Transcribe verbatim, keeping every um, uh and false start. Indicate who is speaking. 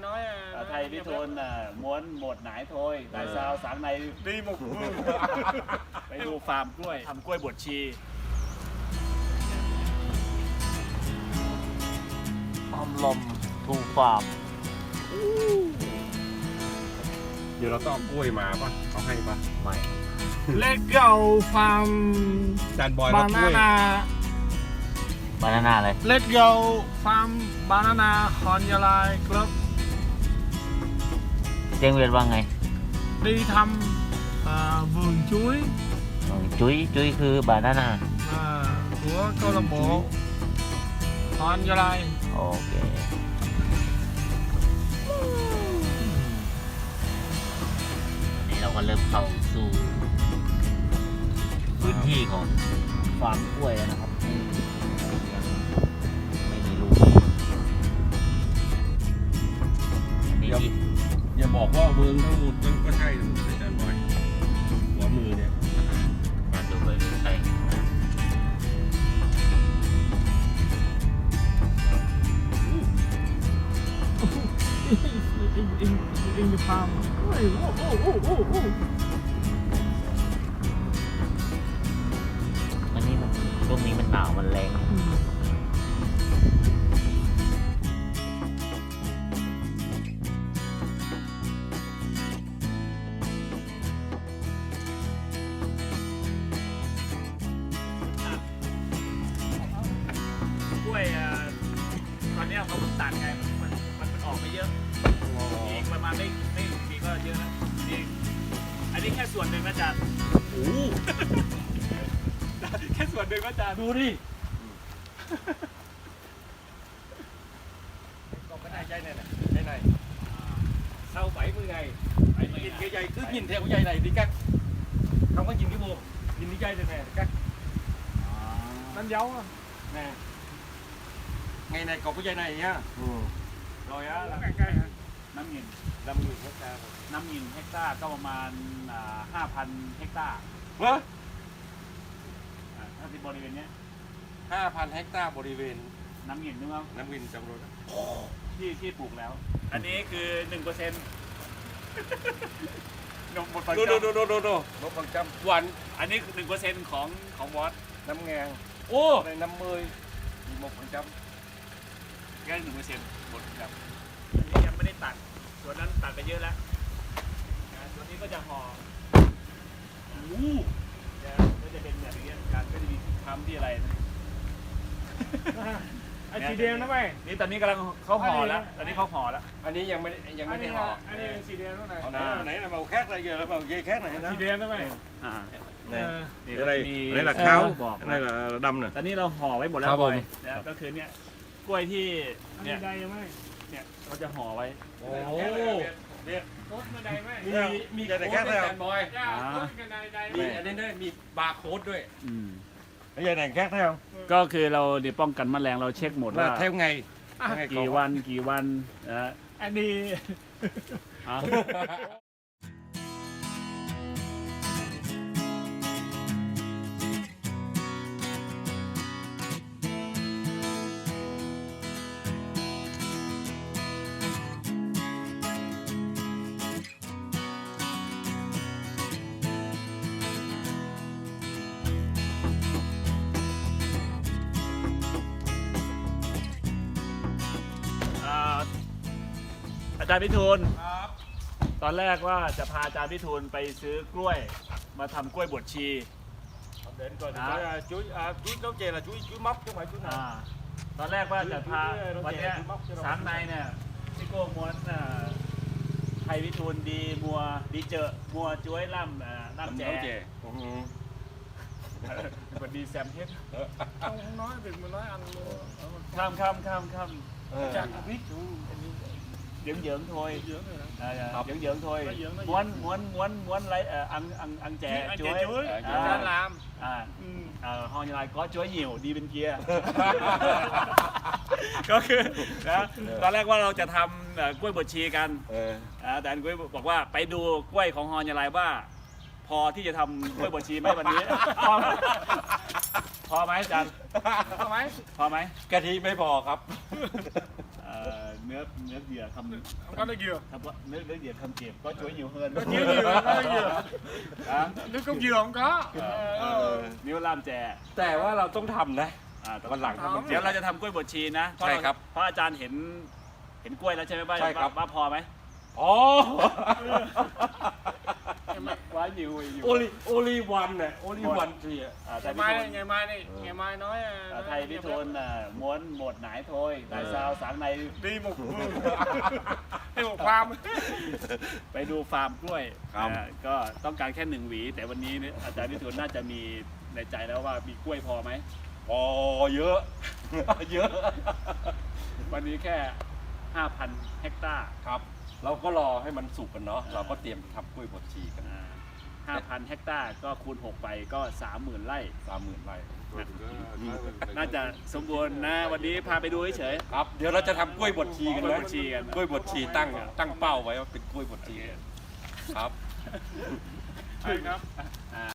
Speaker 1: nói.
Speaker 2: Thầy với Thuần muốn một nải thôi. Tại sao sáng nay đi một vườn ไปดูฟาร์มกล้วยทำกล้วยบวชชี
Speaker 3: ออมลมทูฟาร์ม
Speaker 4: เดี๋ยวเราต้องเอากล้วยมาป่ะเขาให้ป่ะ
Speaker 3: ไม่
Speaker 1: Let's go farm
Speaker 4: จานบอยรับกล้วย
Speaker 1: banana.
Speaker 3: บานาน่าเลย
Speaker 1: Let's go farm banana ฮอนยาลายครับ
Speaker 3: เจียงเวียนว่าไง
Speaker 1: đi thăm uh, vườn chuối
Speaker 3: จุ้ยจุ้ยคือบานาน่า
Speaker 1: uh, của câu lạc bộ Hòn Gia Lai.
Speaker 3: โอเคอันนี้เราก็เริ่มเข้าสู่พื้นที่ของฟาร์มกล้วยแล้วนะครับไม่มีลูกอันนี้
Speaker 4: อย่าบอกว่าเมืองทั้งหมดมันก็ใช่ทั้งหมดเลยจานบอยหัวมือเนี่ย
Speaker 3: มาดูเลยใช่
Speaker 1: in, in, in the farm. Ôi, oh, oh, oh, oh, oh.
Speaker 3: อันนี้มันช่วงนี้มันหนาวมันแรง
Speaker 2: กล้วยตอนนี้เขาตัดไงมันมันมันออกไปเยอะอีกประมาณไม่ไม่ปีก็เยอะนะนี่อันนี้แค่ส่วนหนึ่งนะจ๊ะโอ้แค่ส่วนหนึ่งนะจ๊ะดูดิ
Speaker 4: ก็ไม่ได้ใจnày này cái này sau bảy mươi ngày phải nhìn cái dây cứ nhìn theo cái dây này đi cắt không có nhìn cái buồng nhìn cái dây này nè cắt
Speaker 1: Đánh dấu á.
Speaker 4: nè ngày này cột cái dây này nhá
Speaker 2: rồi á
Speaker 1: ใกล้ๆฮะ
Speaker 2: น้ำเงิน
Speaker 4: năm nghìn hectare
Speaker 2: น้ำเงินเฮกตาร์ก็ประมาณห้าพันเฮกตาร์
Speaker 4: hả
Speaker 2: ถ้าที่บริเวณนี้
Speaker 4: ห้าพันเฮกตาร์บริเวณ
Speaker 2: น้ำเงินนึกว่า
Speaker 4: น้ำวินจำรถ
Speaker 2: ที่ที่ปลูกแล้ว อันนี้คือหนึ่งเปอร์เซ็นต์นมหมดปัจ
Speaker 4: ดู
Speaker 2: จุ
Speaker 4: ดู
Speaker 2: บัน
Speaker 4: ดูดูดูลบbằng trăm วัน
Speaker 2: อันนี้หนึ่งเปอร์เซ็นต์ของของวอต
Speaker 4: năm ngàn
Speaker 2: โอ้
Speaker 4: đây năm mươi một phần trăm
Speaker 2: แค่หนึ่งเปอร์เซ็นต์หมดครับอันนี้ยังไม่ได้ตัดส่วนนั้นตัดไปเยอะแล้วนะส่วนนี้ก็จะห่ออู้จะก็จะเป็นแบบนี้การก็จะมีทำที่อะไรนะ
Speaker 1: ไอ้สีแดงนะแม่
Speaker 2: นี่ตอนนี้กำลังเขาห่อแล้วตอนนี้เขาห่อแล้ว
Speaker 4: อันนี้ยังไม่ได้ยังไม่ได้ห่อ
Speaker 1: อันนี้เป็นสีแดงนะแม่
Speaker 4: เอาไหนไหนlà màu khác đây giờ là màu dây khác này
Speaker 1: สี
Speaker 4: đó
Speaker 1: แดงนะแม่
Speaker 2: อ่า
Speaker 4: này
Speaker 2: นี่
Speaker 4: cái đây
Speaker 2: มี
Speaker 4: đây là
Speaker 2: เออ
Speaker 4: kháo
Speaker 2: บอก
Speaker 4: cái này là đâm nè
Speaker 2: ตอนนี้เราห่อไว้หมดแล้ว
Speaker 4: ครับผม
Speaker 2: อยนะก็คือเนี่ยกล้วยที่
Speaker 1: อัน
Speaker 2: เนี่
Speaker 1: นี้
Speaker 2: ย
Speaker 1: ใดไหม
Speaker 2: เนี่ยเขาจะห่อไว้
Speaker 4: โอ้
Speaker 1: โต๊ดมาใดไหม
Speaker 4: มีมีแต่แค่ไหนครับบอย
Speaker 1: จ้าโต๊ดกันใดใดไหม
Speaker 4: มีอันนี้ด้วยมีบาร์โค้ดด้วย
Speaker 2: อืม
Speaker 4: cái dây này khác thấy không
Speaker 2: ก็คือเราเดี๋ยวป้องกันแมลงเราเช็คหมดว่า
Speaker 4: là theo ngày ngày
Speaker 2: กี่
Speaker 4: còn-
Speaker 2: วันกี่วันนะ
Speaker 1: อันนี้
Speaker 2: อ่ะ อ่าอาจารย์พิทูลตอนแรกว่าจะพาอาจารย์พิทูลไปซื้อกล้วยมาทำกล้วยบวชชี
Speaker 4: đến coi
Speaker 2: Đó.
Speaker 4: thử coi, chuối à, chuối nấu chè là chuối chuối móc chứ không phải chuối
Speaker 2: อ่า
Speaker 4: nào
Speaker 2: ตอนแรกว่าจะพา
Speaker 4: ซื้อซื้อ
Speaker 2: วันเนี้ย
Speaker 4: ซื้อม็อกซื้อม็อก
Speaker 2: สามในเนี่ยพี่โก้ม้วนอ่าไทยพิทูลดีมัวดีเจอมัวจ้วยล่ำอ่า
Speaker 4: làm
Speaker 2: ล่ำแจ
Speaker 4: nấu chè ừ.
Speaker 2: คนดีแซมเพชร
Speaker 1: không nói được mà nói ăn luôn
Speaker 2: ข้ามข้ามข้ามข้าม
Speaker 4: Ờ.
Speaker 1: chắc biết
Speaker 2: เหยิงเหยิงthôi
Speaker 1: dưỡng rồi đó.
Speaker 2: อ่า
Speaker 4: ครับ
Speaker 2: เหยิงเหยิงthôi
Speaker 1: Nó dưỡng, nó
Speaker 2: ม้วนม้วนม้วนม้วนlấy à, ăn ăn ăn chè
Speaker 1: Ăn chè
Speaker 2: chuối
Speaker 1: chuối.
Speaker 2: À,
Speaker 4: Chuối
Speaker 1: Ra làm.
Speaker 2: à
Speaker 1: Ừ.
Speaker 2: ờ ho như lai có chuối nhiều đi bên kia ก็คือนะตอนแรกว่าเราจะทำเอ่อกล้วยบวชชีกัน
Speaker 4: Ờ.
Speaker 2: อ่าแต่อันกล้วยบอกว่าไปดูกล้วยของฮอนยาลายว่า พอที่จะทำกล้วยบวชชีไหมวันนี้พอไหมอาจารย์
Speaker 1: ทำไหม
Speaker 2: พอไหม
Speaker 4: กะทิไม่พอครับ
Speaker 2: เอ่อเนื้อเนื้อเหยื่อทำ
Speaker 1: ก็ได้เยอะ
Speaker 2: ทำว่าเนื้อเนื้อเหยื่อทำเก็บก็ช่วยอยู่เฮิน
Speaker 1: ก็เยอะอยู่ก็เยอะ
Speaker 2: อ่ะ
Speaker 1: นึกก็เยอะของก็
Speaker 2: เออนิ้วล่ามแจ
Speaker 4: แต่ว่าเราต้องทำนะ
Speaker 2: อ่าแต่
Speaker 4: วันหลังทำมัน
Speaker 2: เดี๋ยวเราจะทำกล้วยบดชีนะเพาะ
Speaker 4: ใช่ครับ
Speaker 2: เพราะอาจารย์เห็นเห็นกล้วยแล้วใช่ไหมว่า
Speaker 4: ใช่ครับ
Speaker 2: ว่าว่าพอไหม
Speaker 4: อ๋อ
Speaker 2: ว่าอยู่อยู่
Speaker 4: โอลิโอลิวันเนี่ยโอลิวันทีอ่ะ
Speaker 2: อ่าไท
Speaker 1: ไง
Speaker 2: ย
Speaker 1: ไม้
Speaker 2: พิทน
Speaker 1: ไงไม้นี่ไงไม้น้อย
Speaker 2: อ่าไทยพิทนอ่ะม้วนหมดหนายโทยนายซาวสางใน
Speaker 1: ดีหมกมือให้หมกความ
Speaker 2: ไปดูฟาร์มกล้วย
Speaker 4: ครับ
Speaker 2: อ่าก็ต้องการแค่หนึ่งหวี แต่วันนี้เนี่ยอาจารย์พิทูลน่าจะมีในใจแล้วว่ามีกล้วยพอไหม
Speaker 4: อ๋อเยอะ เยอะ
Speaker 2: วันนี้แค่ ห้าพัน เฮกตาร์
Speaker 4: ครับ เราก็รอให้มันสุกกันเนาะเราก็เตรียมทำกล้วยบดชีกัน
Speaker 2: อ่าห้าพัน เฮกตาร์ก็คูณหกไปก็ สามหมื่น ไร่
Speaker 4: สามหมื่นไร่
Speaker 2: น่าจะสมบูรณ์นะ วันนี้พาไปดูเฉย
Speaker 4: ครับ เดี๋ยวเราจะทำกล้วยบดชีกัน
Speaker 2: กล้วย
Speaker 4: นะ
Speaker 2: บดชีกัน
Speaker 4: กล้วยบดชีตั้งตั้งเป้าไว้ว่าเป็นกล้วยบดชีครับ
Speaker 1: ใช่ครับ
Speaker 2: ๆอ่า